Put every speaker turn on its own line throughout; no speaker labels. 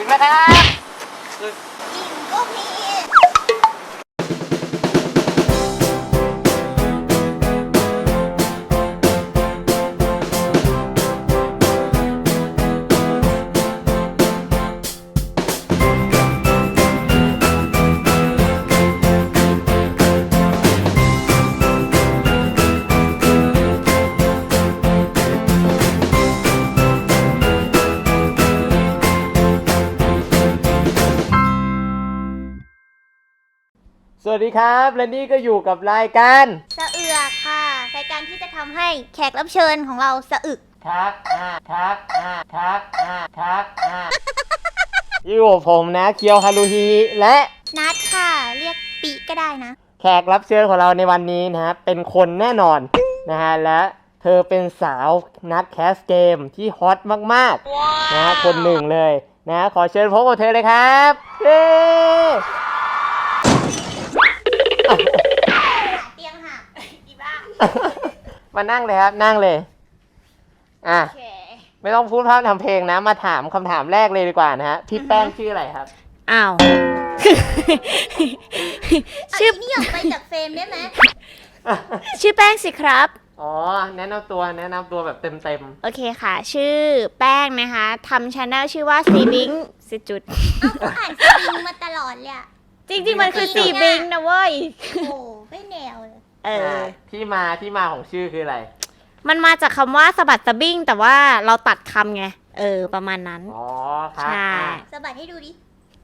งแล้วครับ
อิ่มก็มี
สวัสดีครับและนี่ก็อยู่กับรายการ
สะเอือกค่ะรายการที่จะทำให้แขกรับเชิญของเราสะอึก
ครับอยู่กับผมนะเคียวฮารุฮิและ
นัดค่ะเรียกปีก็ได้นะ
แขกรับเชิญของเราในวันนี้นะฮะเป็นคนแน่นอนนะฮะและเธอเป็นสาวนักแคสเกมที่ฮอตมากๆนะคนหนึ่งเลยนะขอเชิญพบกับเธอเลยครับเย้
เตียงหักอีบ้า
มานั่งเลยครับนั่งเลยอ่ะไม่ต้องพูดพร่ำทำเพลงนะมาถามคำถามแรกเลยดีกว่านะฮะพี่แป้งชื่ออะไรครับ
อ้าว
ชื่อนี่ออกไปจากเฟรมได้ไหม
ชื่อแป้งสิครับ
อ๋อแนะนำตัวแบบเต็ม
โอเคค่ะชื่อแป้งนะคะทำชาแนลชื่อว่าซีบิงสิจุด
ก็อ่านซีบิงมาตลอดเลย
จริงๆมันคือซีบิงนะเว้ย
โอ้ไม่แนวเลย
ที่มาของชื่อคืออะไร
มันมาจากคำว่าสะบัดสะบิ้งแต่ว่าเราตัดคำไงประมาณนั้น
อ๋อครับ
ใช่
สะบัดให้ดูดิ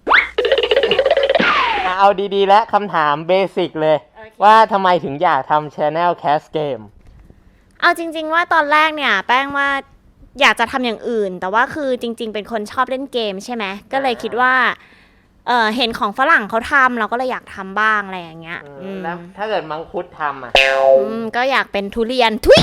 เอาดีๆและคำถามเบสิกเลยว่าทำไมถึงอยากทำ Channel Cast Game
เอาจริงๆว่าตอนแรกเนี่ยแป้งว่าอยากจะทำอย่างอื่นแต่ว่าคือจริงๆเป็นคนชอบเล่นเกมใช่ไหมก็เลยคิดว่าเห็นของฝรั่งเขาทำเราก็เลยอยากทำบ้างอะไรอย่างเงี้ย
แล้วถ้าเกิดมังคุดทำ
ก็อยากเป็นทุเรียนทุย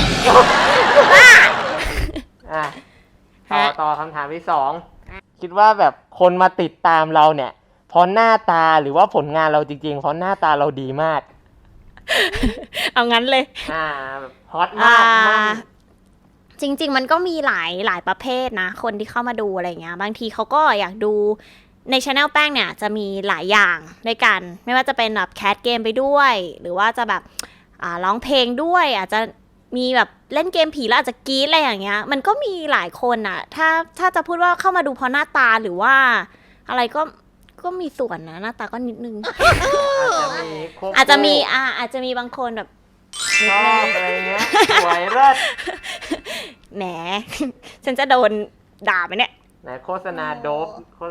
ต่อคำถามที่สองคิดว่าแบบคนมาติดตามเราเนี่ยเพราะหน้าตาหรือว่าผลงานเราจริงๆเพราะหน้าตาเราดีมาก
เอางั้นเลย
แบบฮอตมาก
จริงๆมันก็มีหลายประเภทนะคนที่เข้ามาดูอะไรเงี้ยบางทีเขาก็อยากดูใน channel แป้งเนี่ยจะมีหลายอย่างด้วยกันไม่ว่าจะเป็นแบบแคสเกมไปด้วยหรือว่าจะแบบร้องเพลงด้วยอาจจะมีแบบเล่นเกมผีแล้วอาจจะกรี๊ดอะไรอย่างเงี้ยมันก็มีหลายคนอ่ะถ้าจะพูดว่าเข้ามาดูเพราะหน้าตาหรือว่าอะไรก็มีส่วนนะหน้าตาก็นิดนึงอาจจะมีบางคนแบบ
ชอบอะไรเงี้ยสวยเลิศ
แหมฉันจะโดนด่าไหมเนี่ย
ไหนโฆษณาโดบ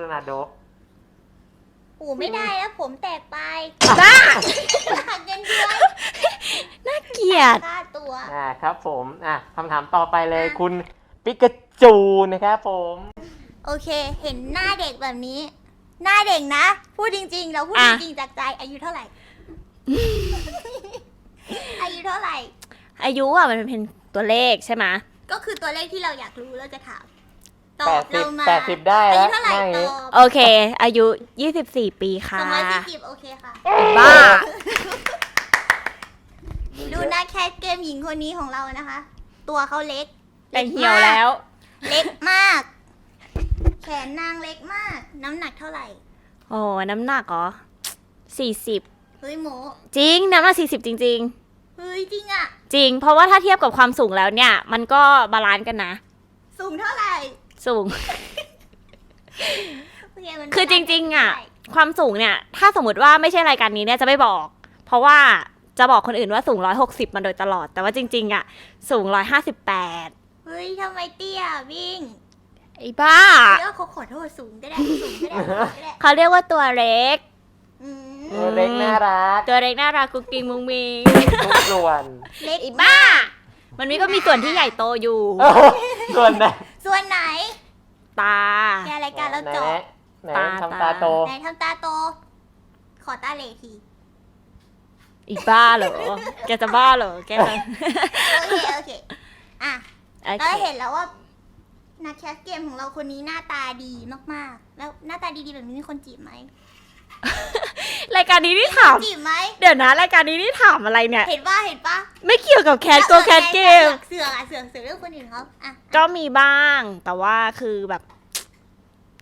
โอ้ไม่ได้แล้วผมแตกไป
บ้า
หักเงินเดือน
น่าเกลียด
ค่าตัว
ครับผมคำถามต่อไปเลยคุณปิกาจูนะครับผม
โอเคเห็นหน้าเด็กแบบนี้หน้าเด็กนะพูดจริงๆเราพูดจริงๆจากใจอายุเท่าไหร่อายุเท่าไหร่
อายุมันเป็นตัวเลขใช่ไหม
ก็คือตัวเลขที่เราอยากรู้เราจะถามต
อบเรามา80ได้แล้วอายุเท่าไหร่
ตอบโอเคอายุ24ปีค่ะ
240โอเคค่ะ
บ้า
ดูนะแคทเกมหญิงคนนี้ของเรานะคะตัวเขาเล็ก
แต่เหี่ยวแล้ว
เล็กมากแขนนางเล็กมากน้ำหนักเท่าไหร่
โอ้น้ำหนักเหรอ40
เฮ้ยโม
จริงน้ำหนัก40จริง
ๆเฮ้ยจริงอ่ะ
จริงเพราะว่าถ้าเทียบกับความสูงแล้วเนี่ยมันก็บาลานซ์กันนะ
สูงเท่าไหร่
สูงคือจริงๆอ่ะความสูงเนี่ยถ้าสมมติว่าไม่ใช่รายการนี้เนี่ยจะไม่บอกเพราะว่าจะบอกคนอื่นว่าสูง160มาโดยตลอดแต่ว่าจริงๆอ่ะสูง158
เฮ้ยทำไมเตี้ยวิ่ง
ไอ้บ้า
เขาขอโทษสูงก็ได้
เขาเรียกว่าตัวเล็ก
ตัวเล็กน่า
รักกุ๊กกิ๊งมุ้งมิง
ทุกส่วน
เล็ก
ไอ้บ้ามันก็มีส่วนที่ใหญ่โตอยู่
ส่วน
ไหน
ตา
แกรายการเราจบ
ไหนทำตาโต
ไหนทำตาโตขอตาเหลที
อีบ้าเหรอแกจะบ้าเหรอแก
โอเคเราเห็นแล้วว่านักแคสเกมของเราคนนี้หน้าตาดีมากๆแล้วหน้าตาดีๆแบบนี้มีคนจีบไหม
รายการนี้นี่ถาม
จีบไหม
เดี๋ยวนะรายการนี้นี่ถามอะไรเนี่ย
เห็นปะ
ไม่เกี่ยวกับแคสเกม
เสือเรื่องคนอื่นเขา
ก็มีบ้างแต่ว่าคือแบบ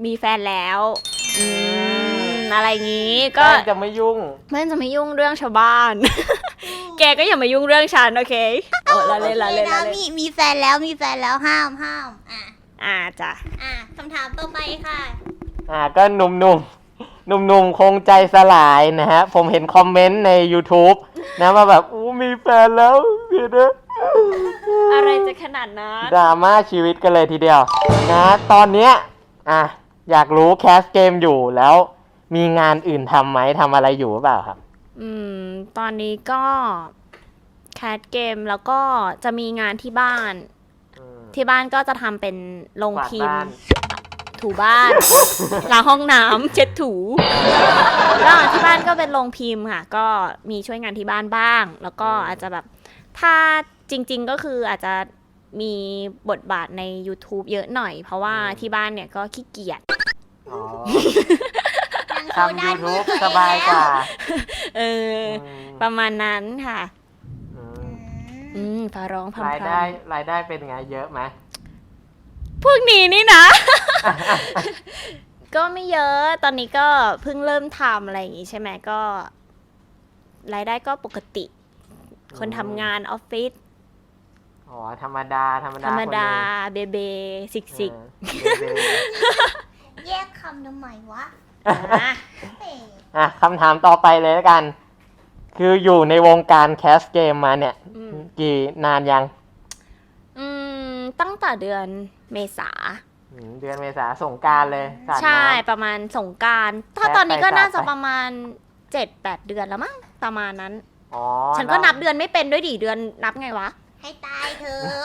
มีแฟนแล้วอะไรงี้ก็
แป้งจะไม่ยุ่ง
แม่จะไม่ยุ่งเรื่องชาวบ้าน แกก็อย่ามายุ่งเรื่องฉันโอเคละเล่นละเล่น
โอค
ละ
นะ
เล่น
มีแฟนแล้วห้าม
จ้ะ
คำถามต่อไปค่ะ
ก็หนุ่มคงใจสลายนะฮะ ผมเห็นคอมเมนต์ใน YouTube นะว่าแบบมีแฟนแล้วเดี๋ยวนะ
อะไรจะขนาดนั้น
ดราม่าชีวิตกันเลยทีเดียวนะตอนเนี้ยอยากรู้แคสเกมอยู่แล้วมีงานอื่นทำไหมทำอะไรอยู่หรือเปล่าครับ
ตอนนี้ก็แคสเกมแล้วก็จะมีงานที่บ้าน ที่บ้านก็จะทำเป็นโรงพิมพ์ ถูบ้าน ล้างห้องน้ำเช็ดถูแล้วที่บ้านก็เป็นโรงพิมพ์ค่ะ ก็มีช่วยงานที่บ้านบ้าง แล้วก็อาจจะแบบถ้าจริงๆก็คืออาจจะมีบทบาทใน YouTube เยอะหน่อย เพราะว่าที่บ้านเนี่ยก็ขี้เกียจ
ทำ YouTube สบายกว่า
ประมาณนั้นค่ะฟ้าร้องพรำ
รายได้เป็นไงเยอะไหม
พวกนี้นี่นะ ก็ไม่เยอะตอนนี้ก็เพิ่งเริ่มทำอะไรอย่างงี้ใช่ไหมก็ รายได้ก็ปกติ คนทำงานออฟฟิศ
ธรรมดา
เบเบสิก
แยกคำทำไมวะ
คำถามต่อไปเลยแล้วกัน คืออยู่ในวงการแคสเกมมาเนี่ยกี่นานยัง
ตั้งแต่เดือนเมษา
เดือนเมษาสงกรานต์เลย
ใช่ประมาณสงกรานต์ถ้าตอนนี้ก็น่าจะประมาณ 7-8 เดือนแล้วมั้งประมาณนั้นฉันก็นับเดือนไม่เป็นด้วยดิเดือนนับไงวะ
ให้ตายเธ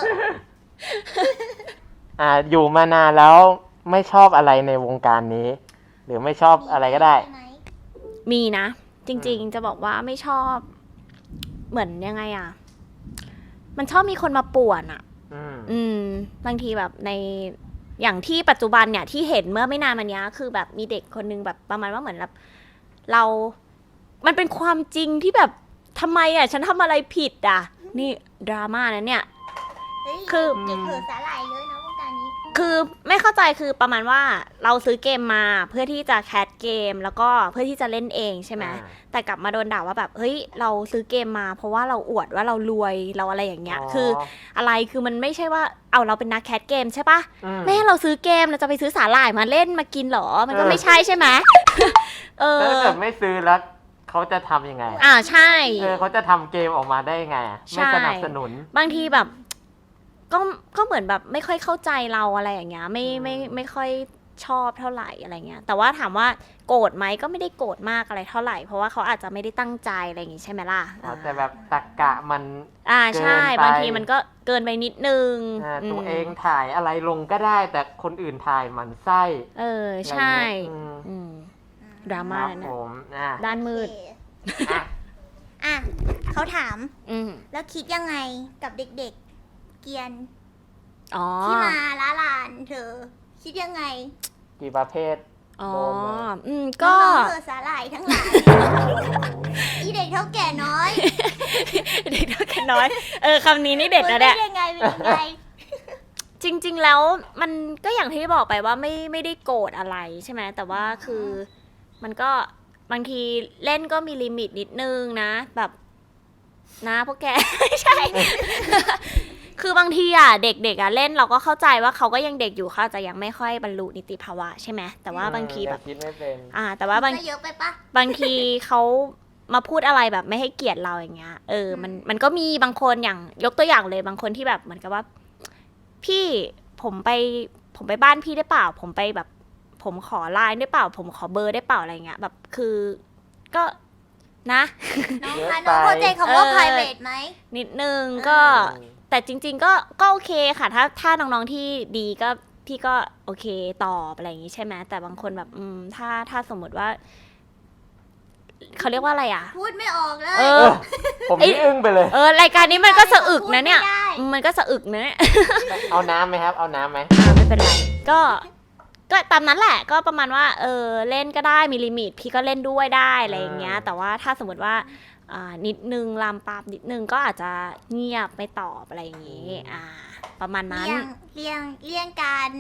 อ
อยู่มานานแล้วไม่ชอบอะไรในวงการนี้ หรือไม่ชอบอะไรก็ได้
มีนะจริงๆจะบอกว่าไม่ชอบเหมือนยังไงมันชอบมีคนมาป่วนบางทีแบบในอย่างที่ปัจจุบันเนี่ยที่เห็นเมื่อไม่นานมานี้คือแบบมีเด็กคนนึงแบบประมาณว่าเหมือนแบบมันเป็นความจริงที่แบบทำไมฉันทำอะไรผิดนี่ดราม่านะเนี่ย
คือเด็กเถื่อสาหร่ายเลยนะวงการนี้
คือไม่เข้าใจคือประมาณว่าเราซื้อเกมมาเพื่อที่จะแคสเกมแล้วก็เพื่อที่จะเล่นเองใช่ไหมแต่กลับมาโดนด่าว่าแบบเฮ้ยเราซื้อเกมมาเพราะว่าเราอวดว่าเรารวยเราอะไรอย่างเงี้ยคืออะไรคือมันไม่ใช่ว่าเราเป็นนักแคสเกมใช่ปะแม่เราซื้อเกมเราจะไปซื้อสาหร่ายมาเล่นมากินหรอมันก็ไม่ใช่ใช่ไหม
ถ้าเกิดไม่ซื้อแล้วเขาจะทำยังไง
ใช่
เขาจะทำเกมออกมาได้ยังไงไม่สนับสนุน
บางทีแบบก็เหมือนแบบไม่ค่อยเข้าใจเราอะไรอย่างเงี้ยไม่ค่อยชอบเท่าไหร่อะไรเงี้ยแต่ว่าถามว่าโกรธไหมก็ไม่ได้โกรธมากอะไรเท่าไหร่เพราะว่าเขาอาจจะไม่ได้ตั้งใจอะไรอย่างงี้ใช่ไหมล่ะ
แต่แบบตรรกะมัน
ใช่บางทีมันก็เกินไปนิดนึง
ตัวเองถ่ายอะไรลงก็ได้แต่คนอื่นถ่ายมันไส้
ใช่ดราม่านะด้านมืด
เขาถามแล้วคิดยังไงกับเด็กๆเกียนที่มาล้าลานเธอคิดยังไง
กี่ประเภท
ก็
เธอสาหร่ายทั้งหลายอีเด็กเท่าแก่น้อย
เด็กเท่าแก่น้อยคำนี้นี่เด็ดนะเนี่ยจริงๆแล้วมันก็อย่างที่บอกไปว่าไม่ได้โกรธอะไรใช่ไหมแต่ว่าคือมันก็บางทีเล่นก็มีลิมิตนิดนึงนะแบบนะพวกแกไม่ใช่ คือบางทีเด็กๆเล่นเราก็เข้าใจว่าเขาก็ยังเด็กอยู่เขาจะยังไม่ค่อยบรรลุนิติภาวะใช่ไหมแต่ว่าบางทีแบบ
คิดไม่เป็น
แต่ว่าบางทีเขามาพูดอะไรแบบไม่ให้เกียรติเราอย่างเงี้ยมันก็มีบางคนอย่างยกตัวอย่างเลยบางคนที่แบบเหมือนกับว่าพี่ผมไปบ้านพี่ได้เปล่าผมไปแบบผมขอไลน์ได้เปล่าผมขอเบอร์ได้เปล่าอะไรเงี้ยแบบคือก็นะ
น้องเข้าใจคำว่า private ไหม
นิดนึงก็แต่จริงๆก็โอเคค่ะถ้าน้องๆที่ดีก็พี่ก็โอเคตอบอะไรอย่างงี้ใช่ไหมแต่บางคนแบบถ้าสมมติว่าเขาเรียกว่าอะไร
พูดไม่ออกเลย
ผมนี่อึ้งไปเลย
รายการนี้มันก็สะอึกนะเนี่ยมันก็สะอึกนะเนี่ย
เอาน้ำไหมครับเอาน้ำไหม
ไม่เป็นไรก็ตามนั้นแหละก็ประมาณว่าเล่นก็ได้มีลิมิตพี่ก็เล่นด้วยได้อะไรอย่างเงี้ยแต่ว่าถ้าสมมติว่านิดนึงลามปามนิดนึงก็อาจจะเงียบไม่ตอบอะไรอย่างงี้ประมาณนั้น
เลี่ยงการ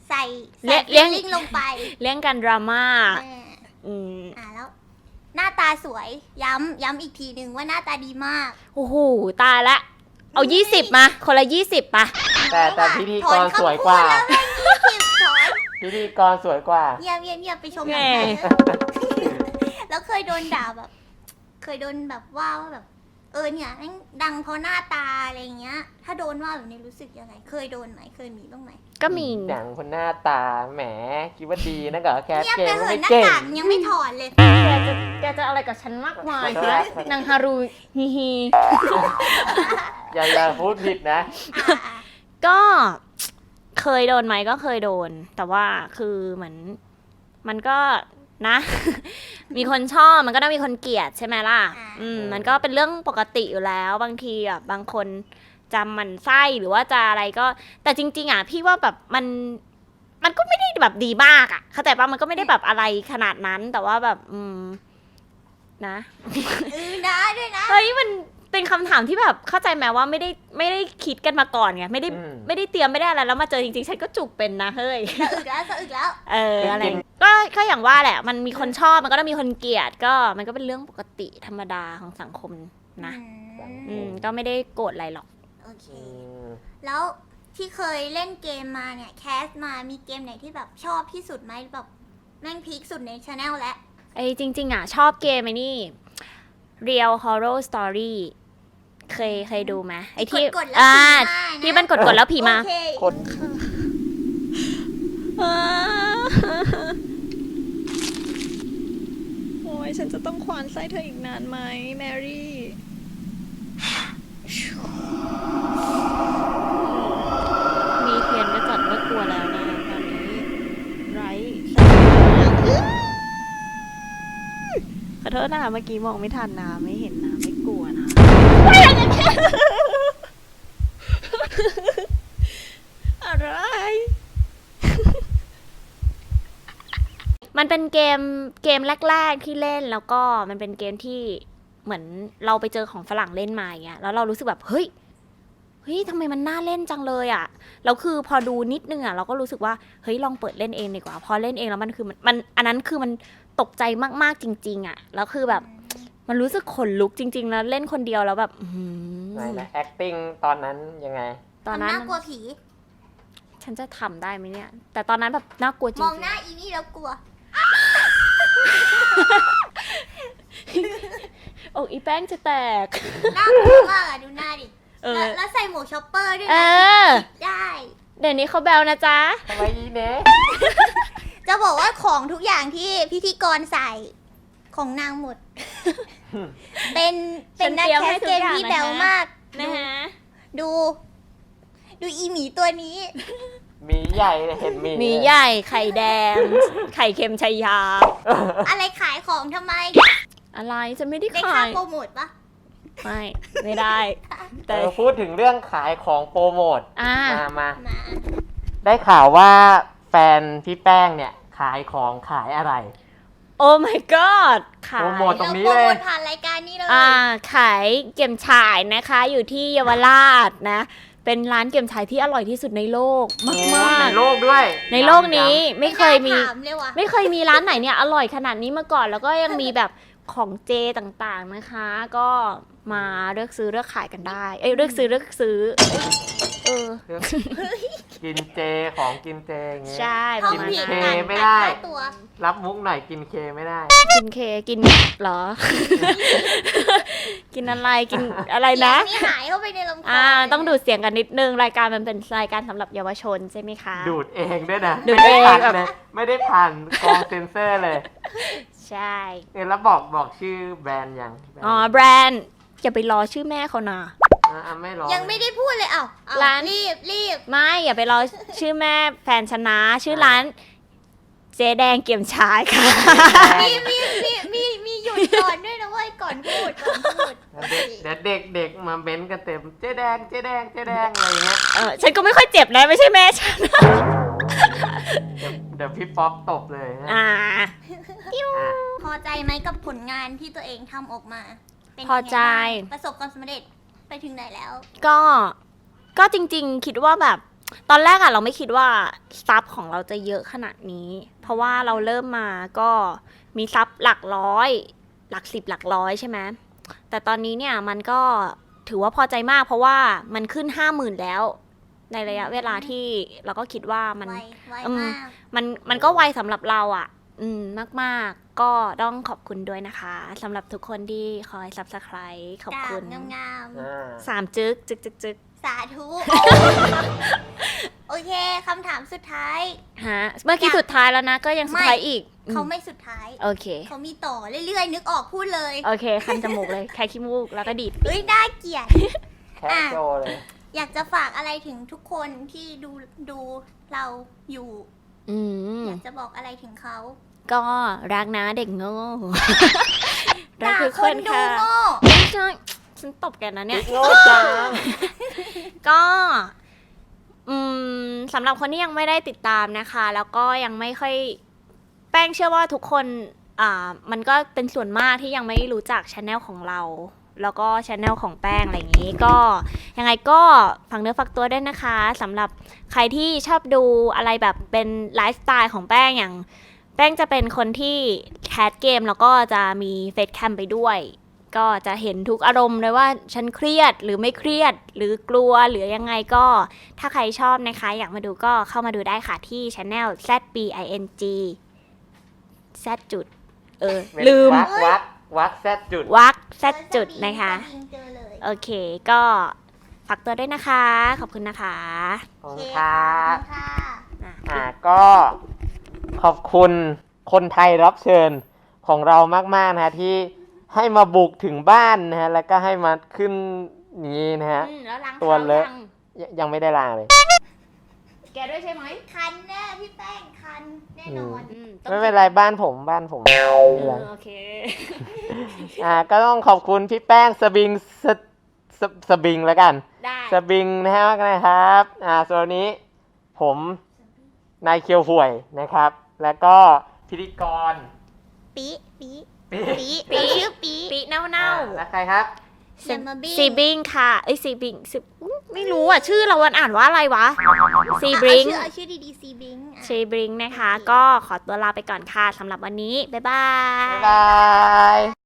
ใส่
เลี้ยง
ฟีลลิ่งลงไป
เรื่องการดราม่า
อ่า
อืม
แล้ว หน้าตาสวยย้ำอีกทีหนึ่งว่าหน้าตาดีมาก
โอ้โหตายละเอา20มาคนละ20ป่ะ
แต่พิธีกรสวยกว่า
ถอนคำพูดแล้วแม่ง20ถอน
พิธีกรสวยกว่า
เงียบไปชม
แห
ห
ม่
นังไทยแล้วเคยโดนด่าแบบ เคยโดนแบบว่าแบบเนี่ยแม่งดังเพราะหน้าตาอะไรเงี้ย ถ้าโดนว่าแบบนี้รู้สึกยังไง เคยโดนไหมเคยมีบ้างไหม
ก็มี
หนังคนหน้าตาแหมคิดว่าดีนะกับแคส
เงียบ
เก
ไป
ม
เห
ก็
อะ
ไม่
หน้า
เก่ง
กากยังไม่ถอนเลย
แกจะอะไรกับฉันมากมาย
ขอโทษ
นางฮารุฮิฮิ
อย่าพูดผิดนะ
ก็เคยโดนไหมก็เคยโดน แต่ว่าคือเหมือนมันก็นะ มีคนชอบมันก็ต้องมีคนเกลียดใช่ไหมล่ะ มันก็เป็นเรื่องปกติอยู่แล้วบางทีอ่ะบางคนจำมันไส้หรือว่าจะอะไรก็ แต่จริงๆอ่ะพี่ว่าแบบมันก็ไม่ได้แบบดีมากอ่ะเข้าใจปะมันก็ไม่ได้แบบอะไรขนาดนั้น แต่ว่าแบบนะ
นะด้วยนะ
เฮ้ยมันเป็นคำถามที่แบบเข้าใจไหมว่าไม่ได้คิดกันมาก่อนไงไม่ได้
อืม
ไม่ได้เตรียมไม่ได้อะไรแล้วมาเจอจริงๆฉันก็จุกเป็นนะเฮ้ย
สะอึกแล้ว
อะไรก็อย่างว่าแหละ มันมีคนชอบมันก็ต้องมีคนเกลียดก็มันก็เป็นเรื่องปกติธรรมดาของสังคมนะ ก็ไม่ได้โกรธอะไรหรอก
โอเค แล้วที่เคยเล่นเกมมาเนี่ยแคสมามีเกมไหนที่แบบชอบที่สุดไหมแบบแม่งพีคสุดในชาแนลแล้ว
ไอ้จริงๆอ่ะชอบเกมไอ้นี่ Real Horror Story เคยดูไหมไอ้ที่
กดแล้วผีมานะ
ที่มันกดแล้วผีมา
โอเค
คน
โอ้ยฉันจะต้องควานไส้เธออีกนานไหมแมรี่มีเทียนก็จัดว่ากลัวแล้วนะตอนนี้ไรขอโทษนะคะเมื่อกี้มองไม่ทันนะไม่เห็นนะไม่กลัวนะอะไร มันเป็นเกมแรกๆที่เล่นแล้วก็มันเป็นเกมที่เหมือนเราไปเจอของฝรั่งเล่นมาอย่างเงี้ยแล้วเรารู้สึกแบบเฮ้ยทำไมมันน่าเล่นจังเลยอ่ะแล้วคือพอดูนิดนึงอ่ะเราก็รู้สึกว่าเฮ้ยลองเปิดเล่นเองดีกว่าพอเล่นเองแล้วมันคือมันอันนั้นคือมันตกใจมากๆจริงๆอ่ะแล้วคือแบบมันรู้สึกขนลุกจริงๆแล้วเล่นคนเดียวแล้วแบบ
ไหนนะ acting ตอนนั้นยังไง
ตอนนั้น
น่ากลัวผี
ฉันจะทำได้ไหมเนี่ยแต่ตอนนั้นแบบน่ากลัวจริ
ม
ง
องหน้าอีนี่แล้วกลัว
ๆโอ้อีแป้งจะแตก
น่ากลัวมากอะดูหน้าดิ แล้วใส่หมวกช็อปเปอร์ด้วย
เอ
นะ
อ
ได้
เดี๋ยวนี้เขาแบลนะจ๊ะ
ทำไมอีเนะ
จะบอกว่าของทุกอย่างที่พิธีกรใส่ของนางหมด เป็นนักแคสเกมที่แบวมาก
นะฮะ
ดูอีหมีตัวนี้
หมีใหญ่เห็นหมี
มีใหญ่ไข่แดง ไข่เค็มชัยยา
อะไรขายของทำไม
อะไรจะไม่ได้
ได้
ขา
ค่าย โปรโมทปะ
ไม่ได้ แต่
พูดถึงเรื่องขายของโปรโมท
อ่า
มา
มา
ได้ข่าวว่าแฟนพี่แป้งเนี่ยขายของขายอะไร
โอ้ my god ขา
โปร
ย
โมท ตรงนี้
เราโปร
เลย
โมทผ่านรายการนี้เลย
ขายเก็มฉ่ายนะคะ อยู่ที่เยาวราชนะ เป็นร้านเก็มฉ่ายที่อร่อยที่สุดในโลกมาก
ในโลกด้วย
ๆในโลกนี้ไม่เคยมี
น่าถามเลยว่ะ
ไม่เคยมีร้านไหนเนี่ยอร่อยขนาดนี้มาก่อน แล้วก็ยังมีแบบของเจต่างๆนะคะ ก็มาเลือกซื้อเลือกขายกันได้ เลือกซื้อ
กินเจของกินเจอย่างเงี้ย
ใช่
ท้อง
ประมาณ
ผิด
นั้น
เค
ตัด
ไม่ได้
ค่าตัว
รับมุกหน่อยกินเคไม่ได้
กินเคกินเหรอ กินอะไรกินอะไรนะ
เสียงนี่หายเข้าไปในลำคอ
ต้องดูดเสียงกันนิดนึงรายการมันเป็นรายการสำหรบเยาวชนใช่ไหมคะ
ดูดเองด้วยนะ
ดูดเอง
ไม่ได้ผ่านเลยไม่ได้ผ่านกองเซนเซอร์เลย
ใช่
แล้วบอกชื่อแบรนด์ยัง
อ๋อแบรนด์อย่าไปรอชื่อแม่เขานะ
ไม่รอ
ยังไม่ได้พูดเลยเอ้า
ร้าน
รีบ
ไม่อย่าไปรอชื่อแม่แฟนชนะชื่อร้านเจ๊แดงเกี่ยมชายค่ะ
มีหยุดก่อนด้วยนะเว้ยก่อนพูด
เดี๋ยวเด็กมาเม้นกันเต็มเจ๊แดงอะไรเงี้ย
ฉันก็ไม่ค่อยเจ็บนะไม่ใช่แม่ฉัน
เดี๋ยวพี่ป๊อปตบเลยนะ
พอใจไหมกับผลงานที่ตัวเองทำออกมาเป็นยังไง
พอใจ
บ้างประสบความสำเร็จไปถึงไหนแล้ว
ก็จริงๆคิดว่าแบบตอนแรกอะเราไม่คิดว่าซับของเราจะเยอะขนาดนี้ เพราะว่าเราเริ่มมาก็มีซับหลักร้อย หลัก10หลักร้อยใช่ไหมแต่ตอนนี้เนี่ยมันก็ถือว่าพอใจมาก เพราะว่ามันขึ้น 50,000 แล้ว ในระยะเวลาที่เราก็คิดว่ามัน
ไว
อืม
มาก
มันก็ไวสำหรับเราอ่ะ มากๆ ก็ต้องขอบคุณด้วยนะคะสำหรับทุกคนที่คอย subscribe ขอบ
ดา
คุ
บ
ณ
งาม
3 จึ๊กจึ๊กจึ๊กจึ๊ก
ๆสาธุ โอเคคำถามสุดท้าย
ฮะเมื่อกี้สุดท้ายแล้วนะ ก็ยังสุดท้ายอีก
เขาไม่สุดท้าย
โอเค
เขามีต่อเรื่อยๆ นึกออกพูดเลย
โอเค คันจมูกเลย แค่ขี้มูก แล้วก็ดีด
เฮ้ยน่าเกลียด
แคสโจเลย
อยากจะฝากอะไรถึงทุกคนที่ดูเราอยู่
อืม
อยากจะบอกอะไรถึงเขา
ก็รักนะเด็กโง่ รัก
ด่า
ทุก
ค
คน
นดู
ค่ะ
โง่
ไม่ใช่ฉันตบแกนะเนี่ย
โง่จัง
ก็สำหรับคนที่ยังไม่ได้ติดตามนะคะ แล้วก็ยังไม่ค่อยแป้งเชื่อว่าทุกคนมันก็เป็นส่วนมากที่ยังไม่รู้จักช anel ของเรา แล้วก็ช anel ของแป้งอะไรอย่างนี้ ก็ยังไงก็ฝักเนื้อฝักตัวด้วยนะคะสำหรับใครที่ชอบดูอะไรแบบเป็นไลฟ์สไตล์ของแป้งอย่างแป้งจะเป็นคนที่แคสเกมแล้วก็จะมีเฟซแคมไปด้วย ก็จะเห็นทุกอารมณ์เลยว่าฉันเครียดหรือไม่เครียดหรือกลัวหรือยังไงก็ถ้าใครชอบนะคะอยากมาดูก็เข้ามาดูได้ค่ะที่ channel ZBING Z จุดลืม
วักแซดจุด
วัก Z จุดนะคะ
เจอเลย
โอเคก็ฝากตัวด้วยนะคะ ขอบคุณนะคะ
ขอบ
โอ
คุ
เค
ณครับ
ค่ะ
ก็ขอบคุณคนไทยรับเชิญของเรามากๆนะฮะที่ให้มาบุกถึงบ้านนะฮะแล้วก็ให้มาขึ้นนี้นะฮะ
แล้วล้าง
ตัวเลอะ ยังไม่ได้ลาเลย
แกด้วยใช่ไหม
คันแน่พี่แป้งคันแน่นอน
ไม่เป็นไรบ้านผมไม่เป็นไร
โอเค
ก็ต้องขอบคุณพี่แป้งสบิงสบิงแล้วกัน
ได้
สบิงนะฮะนะครับส่วนวันนี้ผมนายเคียวห่วยนะครับ แล้วก็พิธีกร
ปี
ปี
เราชื่อปี
ปีเน่า
แล้วใครครับ
อย่ามาบิ้ง
ซีบิงค่ะซีบิงไม่รู้อ่ะ ชื่อเราวันอ่านว่าอะไรวะซีบิง
เอาชื่อดีๆซีบิง
ซีบิงนะคะ ก็ขอตัวลาไปก่อนค่ะสำหรับวันนี้ บ๊ายบาย
บ๊ายบาย